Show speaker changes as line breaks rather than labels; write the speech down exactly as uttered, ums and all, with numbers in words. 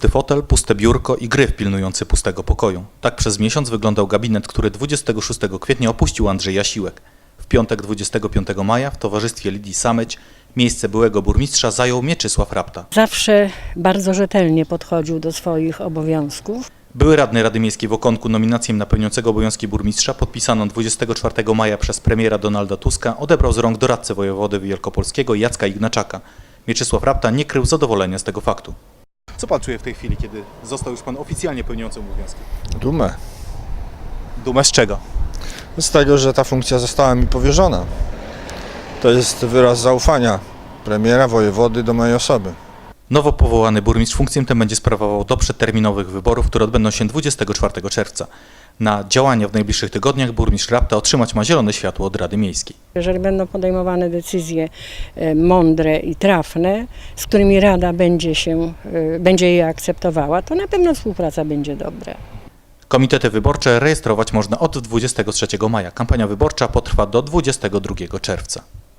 Pusty fotel, puste biurko i gryf pilnujący pustego pokoju. Tak przez miesiąc wyglądał gabinet, który dwudziestego szóstego kwietnia opuścił Andrzej Jasiłek. W piątek dwudziestego piątego maja w towarzystwie Lidii Sameć miejsce byłego burmistrza zajął Mieczysław Rapta.
Zawsze bardzo rzetelnie podchodził do swoich obowiązków.
Były radny Rady Miejskiej w Okonku nominację na pełniącego obowiązki burmistrza podpisaną dwudziestego czwartego maja przez premiera Donalda Tuska odebrał z rąk doradcę wojewody wielkopolskiego Jacka Ignaczaka. Mieczysław Rapta nie krył zadowolenia z tego faktu. Co pan czuje w tej chwili, kiedy został już pan oficjalnie pełniącym obowiązki?
Dumę.
Dumę z czego?
Z tego, że ta funkcja została mi powierzona. To jest wyraz zaufania premiera, wojewody do mojej osoby.
Nowo powołany burmistrz funkcję tę będzie sprawował do przedterminowych wyborów, które odbędą się dwudziestego czwartego czerwca. Na działania w najbliższych tygodniach burmistrz Rapta otrzymać ma zielone światło od Rady Miejskiej.
Jeżeli będą podejmowane decyzje mądre i trafne, z którymi Rada będzie, się, będzie je akceptowała, to na pewno współpraca będzie dobra.
Komitety wyborcze rejestrować można od dwudziestego trzeciego maja. Kampania wyborcza potrwa do dwudziestego drugiego czerwca.